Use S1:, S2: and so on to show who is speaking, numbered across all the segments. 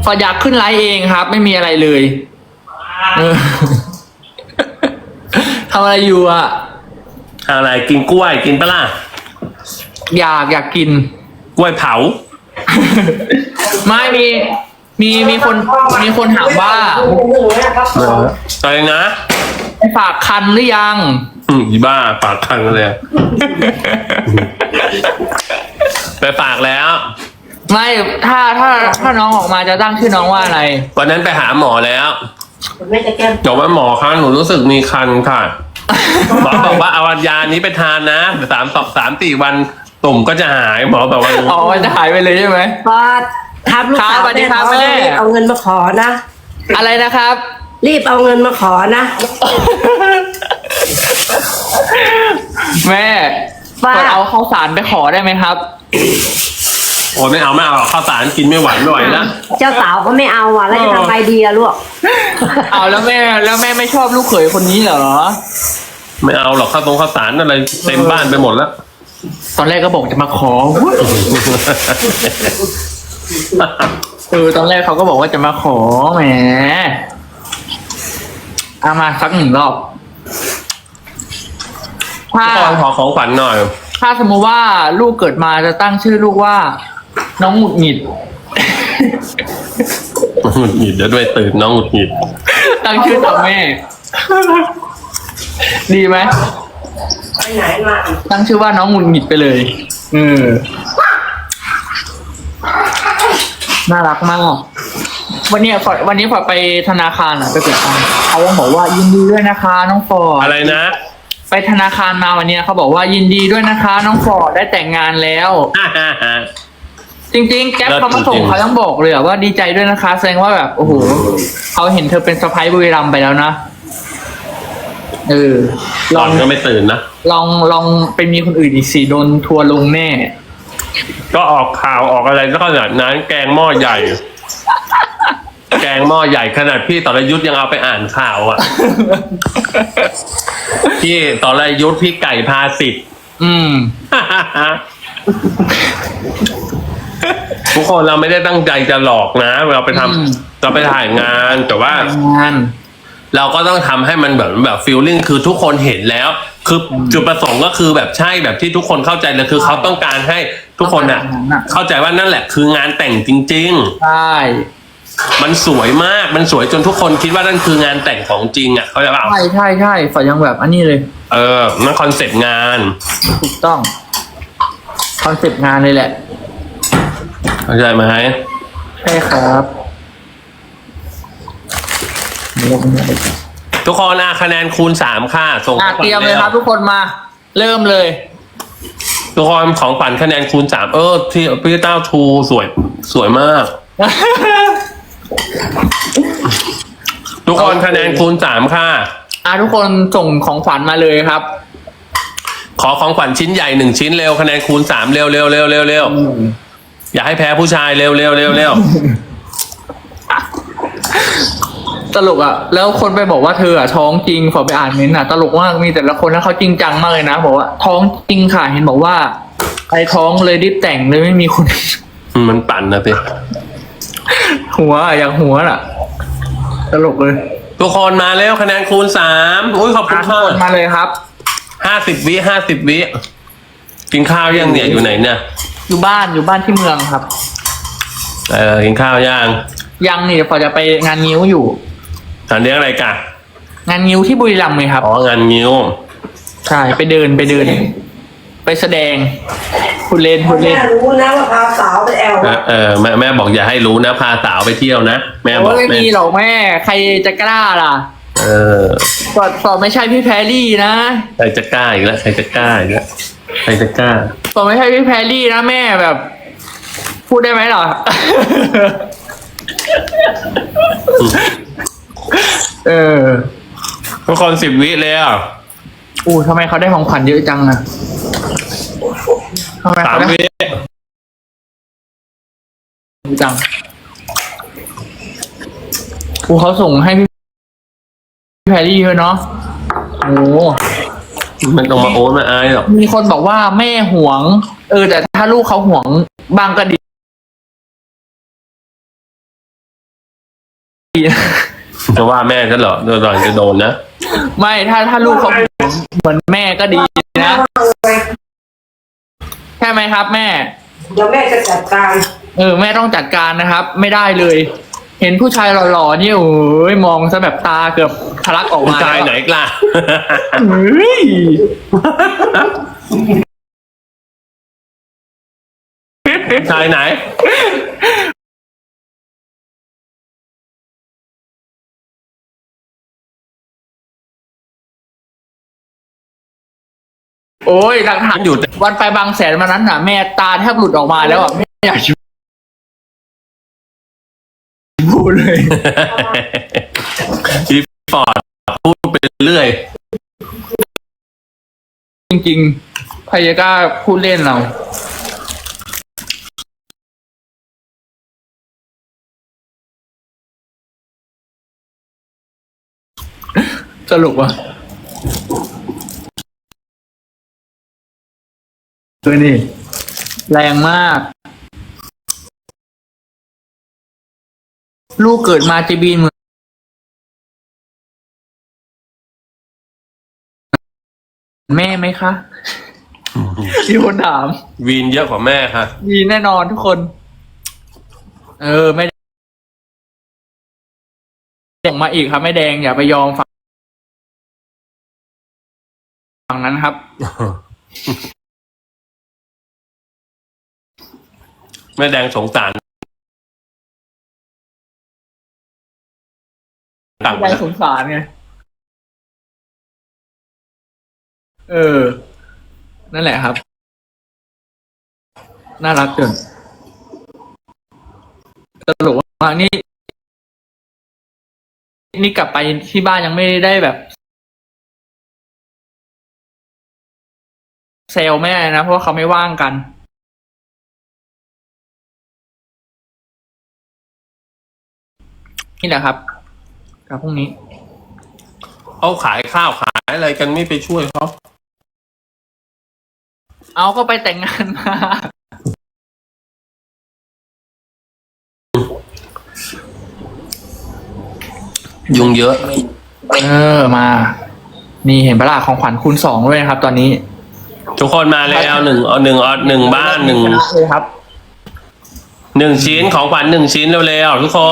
S1: ออยากขึ้นไลฟ์เองครับ ไม่มีอะไรเลยเออ ทำอะไรอยู่อ่ะ
S2: อะไรกินกล้วยกินปะล่ะ
S1: อยากกิน
S2: กล้วยเผา
S1: ไม่มีคนถามว่า
S2: อะไรนะ
S1: ไปฝากคันหรือยัง
S2: อีบ้าปากคังเลย ไปฝากแล้ว
S1: ไม่ถ้าน้องออกมาจะตั้งชื่อน้องว่าอะไร
S2: วันนั้นไปหาหมอแล้ว
S3: ไม่จะแก้ม
S2: บอกว่าหมอคะหนูรู้สึกมีคันค่ะ หมอบอกว่าเอายานี้ไปทานนะ3-4 วันตุ่มก็จะหายหมอบอกว่า
S1: อ๋อมันจะหายไปเลยใช่ไหม
S3: พอทับลูกสาว
S1: สวัสดีครับแม่
S3: เอาเงินมาขอนะ
S1: อะไรนะครับ
S3: รีบเอาเงินมาขอนะ
S1: แม่
S3: ว่า
S1: กดเอาข้าวสารไปขอได้ไหมครับ
S2: โอ้ไม่เอาข้าวสารกินไม่ไหวแล้ว
S3: เจ้าสาวก็ไม่เอาอ่ะแล้วจะทำไงดีอะลูก
S1: เอาแล้วแม่ไม่ชอบลูกเขยคนนี้เหรอ
S2: ไม่เอาหรอกข้าวสารอะไรเต็มบ้านไปหมดแล้ว
S1: ตอนแรกก็บอกจะมาขอตอนแรกเขาก็บอกว่าจะมาขอแหมเอามาสัก1 รอบ
S2: ขอของขวัญหน่อย
S1: ถ้าสมมติว่าลูกเกิดมาจะตั้งชื่อลูกว่า น้องหงุดหงิด
S2: หงุดหงิดเดี๋ยวด้วยตื่นน้องหงุดหงิด
S1: ตั้งชื่อตามแม่ ดีไหม
S3: ไปไหนมา
S1: ตั้งชื่อว่าน้องหงุดหงิดไปเลยน่ารักมากวันนี้พอไปธนาคารไปเปิดตังค์เขาบอกว่ายินดีด้วยนะคะ น้องฟอร์ด
S2: อะไรนะ
S1: ไปธนาคารมาวันนี้เขาบอกว่ายินดีด้วยนะคะ น้องฟอร์ดได้แต่งงานแล้ว จริงๆแก๊ปเขามาส่งเขาต้องบอกเลยว่าดีใจด้วยนะคะแสดงว่าแบบโอ้โหเขาเห็นเธอเป็นสะใภ้บุรีรัมย์ไปแล้วนะ
S2: หลอนก็ไม่ตื่นนะ
S1: ลองไปมีคนอื่นอีกสิโดนทัวร์ลงแน่
S2: ก็ออกข่าวออกอะไรก็ขนาดนั้นแกงหม้อใหญ่ แกงหม้อใหญ่ขนาดพี่ต่อรยุทธยังเอาไปอ่านข่าวอ่ะ พี่ต่อรยุทธพี่ไก่พาสิทธิ์ ทุกคนเราไม่ได้ตั้งใจจะหลอกนะเราไปทำเราไปถ่ายงานแต่ว่า เราก็ต้องทำให้มันแบบฟีลลิ่งคือทุกคนเห็นแล้ว คือจุดประสงค์ก็คือแบบใช่แบบที่ทุกคนเข้าใจเลยคือเขาต้องการให้ทุกคนน่ะเข้าใจว่านั่นแหละคืองานแต่งจริงๆ
S1: ใช่
S2: มันสวยมากมันสวยจนทุกคนคิดว่านั่นคืองานแต่งของจริงอ่ะเขาใจป่ะ
S1: ใช่ฝอยังแบบอันนี้เลย
S2: นั่นคอนเซ็ปต์งาน
S1: ถูกต้องคอนเซ็ปต์งานเลยแหละ
S2: เข้าใจไหม
S1: ใช่ครับ
S2: ทุกคนคะแนนคูณ3ค่ะส่ง
S1: เตรียมเลยครับทุกคนมาเริ่มเลย
S2: ทุกคนของขวัญคะแนนคูณ3ที่พี่เต้าทูสวยมาก ทุกคนคะแนนคูณ3ค่ะ
S1: ทุกคนส่งของขวัญมาเลยครับ
S2: ขอของขวัญชิ้นใหญ่1ชิ้นเร็วคะแนนคูณ3เร็วอย่าให้แพ้ผู้ชายเร็ว
S1: ตลกอ่ะแล้วคนไปบอกว่าเธอท้องจริงขอไปอ่านเม้นต์ตลกมากมีแต่ละคนแล้วเขาจริงจังมากเลยนะบอกว่าท้องจริงค่ะเห็นบอกว่าไอ้ท้องเลยรีบแต่งเลยไม่มีคน
S2: มันปั่นนะพี่
S1: หัวอย่างหัวน่ะตลกเลย
S2: ทุกคนมาแล้วคะแนนคูณ3อุ้ยขอบคุณค่ะ
S1: มาเลยครับ
S2: 50 วิกินข้าวยังเนี่ยอยู่ไหนเนี่ย
S1: อยู่บ้านที่เมืองครับ
S2: กินข้าว
S1: ยังนี่พอจะไปงานงิ้วอยู่
S2: งานเลี้ยงอะไรกัน
S1: งานงิ้วที่บุรีรัมย์ไหมครับ
S2: งานงิ้ว
S1: ใช่ไปเดินไปแสดงพูดเล่น
S3: แม่รู้นะว่าพาสาวไปแอล
S2: แม่บอกอย่าให้รู้นะพาสาวไปเที่ยวนะแม่บอก
S1: ไม่มีหรอกแม่ใครจะกล้าล่ะสอบไม่ใช่พี่แพรรี่นะ
S2: ใครจะกล้าอีกแล้วใครจะกล้า
S1: สอบไม่ใช่พี่แพรรี่นะแม่แบบพูดได้ไหมหรอ
S2: ทุกคน10 วิเลยอ่ะ
S1: ทำไมเขาได้ของขวัญเยอะจังอะทำไมเขาได้
S2: 3 วิ
S1: จังเขาส่งให้พี่แพรรี่เยอะเนาะ
S2: มันต้องมามาอายหรอก
S1: มีคนบอกว่าแม่หวงแต่ถ้าลูกเขาหวงบางกระดิ
S2: จะว่าแม่ฉันเหรอโดนจะโดนนะ
S1: ไม่ถ้าลูกเขาเหมือนแม่ก็ดีนะใช่ไหมครับ แม่
S3: เดี๋ยวแม่จะจัดการ
S1: แม่ต้องจัดการนะครับ ไม่ได้เลย เห็นผู้ชายหล่อๆนี่โอ้ยมองซะแบบตาเกือบทะลักออก
S2: ผู้
S1: มา
S2: ชายไหนกล้า
S1: เฮ้ย
S2: ผู้ชายไหน
S1: โอ้ยหลักฐาน
S2: มันอยู่แต่
S1: วันไปบางแสนวันนั้นน่ะ แม่ตาแทบหลุดออกมาแล้วอ่ะไม่อยากจะพูดเลย
S2: อีฟอร์ดพูดไปเรื่อย
S1: จริงๆใครจะกล้าพูดเล่นเรา สรุปว่าตัวนี้แรงมาก ลูกเกิดมาจะบีนเหมือนแม่ไหมคะมีคนถาม
S2: วีนเยอะกว่าแม่ค่ะ
S1: มีแน่นอนทุกคน ไม่ส่งมาอีกครับไม่แดงอย่าไปยอมฝั่งนั้นครับ
S2: แม่แดงสงสารต่าง
S1: ใจสงสารไงนั่นแหละครับ น่ารักเกินตลกมากนี่กลับไปที่บ้านยังไม่ได้แบบเซลแม่นะเพราะว่าเขาไม่ว่างกัน นี่แหละครับกับพรุ่งนี้
S2: เขาขายข้าวขายอะไรกันไม่ไปช่วยเขา
S1: เอาก็ไปแต่งงานมา
S2: ยุงเยอะ
S1: มา นี่เห็นปะล่ะของขวัญคูณ2ด้วยนะครับ ตอนนี้
S2: ทุกคนมาแล้วหนึ่งบ้านหนึ่ง
S1: เลยครับ
S2: ชิ้นของขวัญ1 ชิ้นเร็วๆทุกคน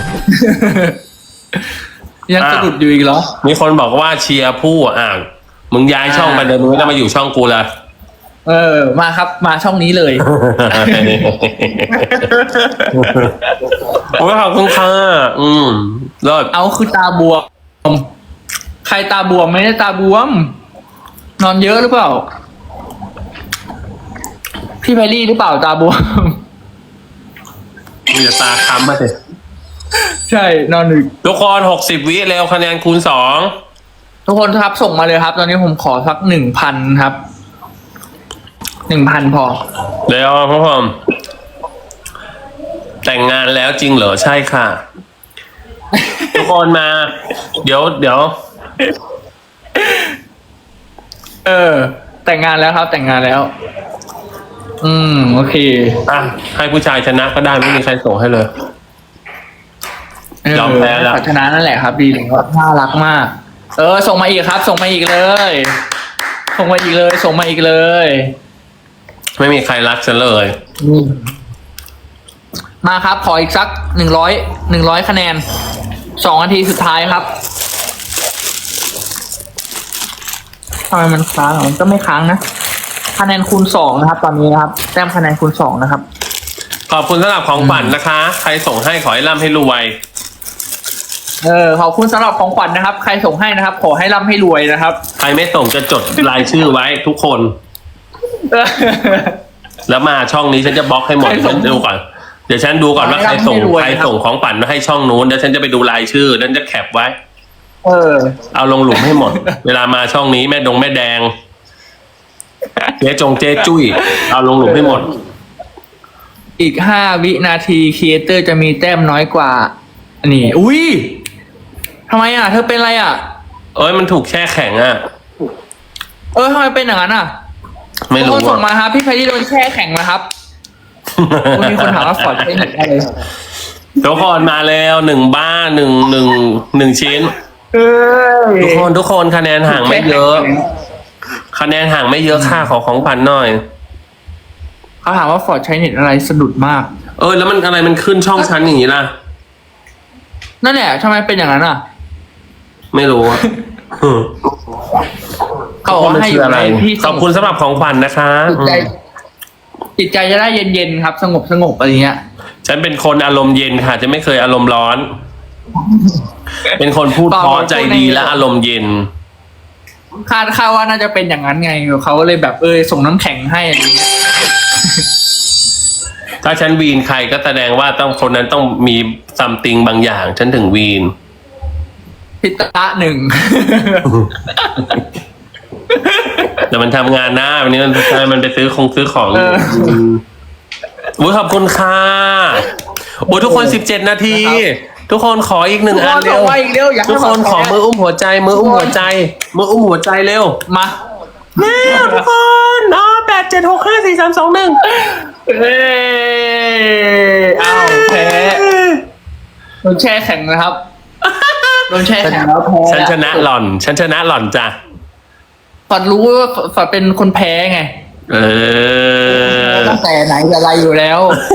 S1: ยังสะดุดอยู่อีกเหรอ
S2: มีคนบอกว่าเชียร์ผู้มึงย้ายช่องไปเดินมึงไม่ต้องมาอยู่ช่องกูละ
S1: มาครับ มาช่องนี้เลย
S2: โอ้ยขอบคุณค่ะรอด
S1: เอาคือตาบวม ใครตาบวมไม่ได้ตาบวม นอนเยอะหรือเปล่า พี่แพรรี่หรือเปล่าตาบวม
S2: มึงจะตาค้ำมาสิ
S1: ใช่นอนดึก
S2: ทุกคน60 วิเร็วคะแนนคูณ2
S1: ทุกคนครับส่งมาเลยครับ ตอนนี้ผมขอสัก1,000 ครับ 1,000 พอ
S2: เร็วพ่อผมแต่งงานแล้วจริงเหรอใช่ค่ะ ทุกคนมา เดี๋ยว
S1: แต่งงานแล้วครับ แต่งงานแล้ว โอเค
S2: ให้ผู้ชายชนะก็ได้ไม่มีใครส่งให้เลย ยอมแพ้แล้ว
S1: ชนะนั่นแหละครับดีเลยครับน่ารักมาก ส่งมาอีกครับ ส่งมาอีกเลย ส่งมาอีกเลย ส่งมาอีกเลย
S2: ไม่มีใครรักฉันเลย
S1: มาครับ ขออีกสัก100คะแนน2 นาทีสุดท้ายครับทำไมมันค้างมันก็ไม่ค้างนะคะแนนคูณ2นะครับ ตอนนี้นะครับแต้มคะแนนคูณ2นะครับ
S2: ขอบคุณสำหรับของขวัญนะคะ ใครส่งให้ขอให้ร่ำให้รวย
S1: ขอบคุณสำหรับของขวัญนะครับ ใครส่งให้นะครับ ขอให้ร่ำให้รวยนะครับ
S2: ใครไม่ส่งจะจดรายชื่อไว้ทุกคน แล้วมาช่องนี้ฉันจะบล็อกให้หมด
S1: ใครส่ง
S2: ฉันดูก่อนเดี๋ยวฉันดูก่อนว่าใครส่ง
S1: ให้รวย
S2: ใคร
S1: นะครับ
S2: ส่งของขวัญมาให้ช่องนู้นแล้วฉันจะไปดูรายชื่อแล้วจะแคปไว้ เอาลงหลุมให้หมด เวลามาช่องนี้แม่แดงเจ๊จุ้ยเอาลงหลุมให้หมด
S1: อีก5 วินาทีครีเอเตอร์จะมีแต้มน้อยกว่านี่อุ้ยทำไมเธอเป็นอะไร
S2: มันถูกแช่แข็ง
S1: ทำไมเป็นอย่างนั้น
S2: ไม่รู้
S1: คนส่งมาครับพี่ไพรี่โดนแช่แข็งนะครับ มีคนถามว่าฟอร์ดใช้เน็ตอะไร
S2: ทุกคนมาแล้ว1 บ้าน1ชิ้น
S1: เอ้ย
S2: ทุกคนคะแนนห่างไม่เยอะ คะแนนห่างไม่เยอะค่าขอของขวัญหน่อย
S1: เขาถามว่าฟอร์ดใช้เน็ตอะไรสะดุดมาก
S2: แล้วมันอะไรมันขึ้นช่องชั้นอย่างนี้ล่ะ
S1: นั่นแหละทำไมเป็นอย่างนั้นอ่ะ
S2: ไม่รู้อะ
S1: เขาบอกว่าให้อยู่ในที่
S2: ขอบคุณสำหรับของขวัญนะคะ
S1: จิตใจจะได้เย็นๆครับ สงบอะไรเงี้ย
S2: ฉันเป็นคนอารมณ์เย็นค่ะ จะไม่เคยอารมณ์ร้อน เป็นคนพูดเพราะใจดีและอารมณ์เย็น
S1: คาดว่าน่าจะเป็นอย่างนั้นไงเขาเลยแบบส่งน้ำแข็งให้อะไรเงี้ย
S2: ถ้าฉันวีนใครก็แสดงว่าต้องคนนั้นต้องมีซัมติงบางอย่าง ฉันถึงวีน
S1: พิตะหนึ่ง
S2: แต่มันทำงานหน้าวันนี้มันไปซื้อของขอบคุณค่ะทุกคน17 นาที ทุกคนขออีก1 อันเร็ว ทุกคนขอมืออุ้มหัวใจมืออุ้มหัวใจเร็ว
S1: มา
S2: เร็วทุกคน8 7 6 5 4 3 2 1
S1: อ้าวแพ้โดนแช่แข็งนะครับโดนแช่แข็งแล้วแพ้
S2: ฉันชนะหล่อนจ้ะ
S1: ฟอดรู้ว่าฟอดเป็นคนแพ้ไงตั้งแต่ไหนแต่ไรอยู่แล้ว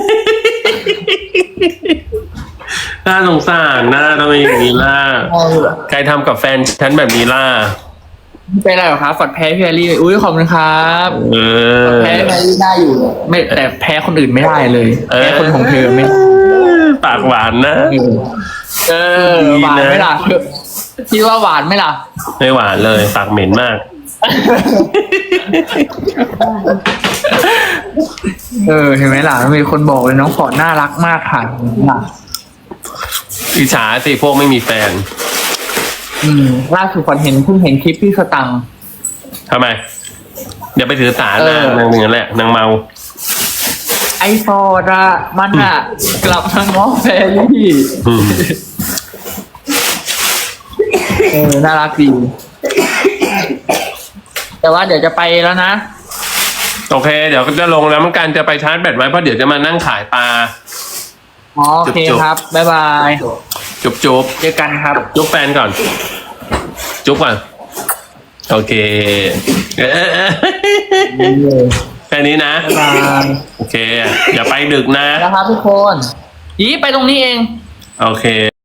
S2: น่าสงสารน่าทำไมอย่างนี้ล่ะใครทำกับแฟนฉันแบบนี้ล่ะ
S1: ไม่เป็นไรหรอกครับฟอดแพ้พี่แอลลี่อุ้ยขอบคุณครับแพ้พี่แอลลี่ได้อยู่ไม่แต่แพ้คนอื่นไม่ได้เลยแพ้คนของเธอไม่
S2: ปากหวานนะ
S1: หวานไหมล่ะคิดว่าหวานไหมล่ะ
S2: ไม่หวานเลยปากเหม็นมาก
S1: เห็นไหมล่ะมีคนบอกเลยน้องฟอร์ดน่ารักมากค่ะล่ะ
S2: อิจฉาสิพวกไม่มีแฟน
S1: ล่าสุดฟอร์ดเพิ่งเห็นคลิปพี่สตังค์
S2: ทำไม เดี๋ยวไปถือสารนางหนึ่งนั่นแหละนางเมา
S1: ไอฟอร์ดอะมันอะกลับมาง้อแฟรี่น่ารักดีแต่ว่าเดี๋ยวจะไปแล้วนะ
S2: โอเค เดี๋ยวจะลงแล้วมันการจะไปชาร์จแบตไว้เพราะเดี๋ยวจะมานั่งขายปลา
S1: โอเคครับ บ๊ายบาย
S2: จุ๊บ
S1: เจอกันครับ
S2: จุ๊บแฟนก่อน จุ๊บก่อน โอเค แค่นี้นะ
S1: บ๊ายบาย
S2: โอเค อย่าไปดึกนะ
S1: แล้วครับทุกคนไปตรงนี้เอง
S2: โอเค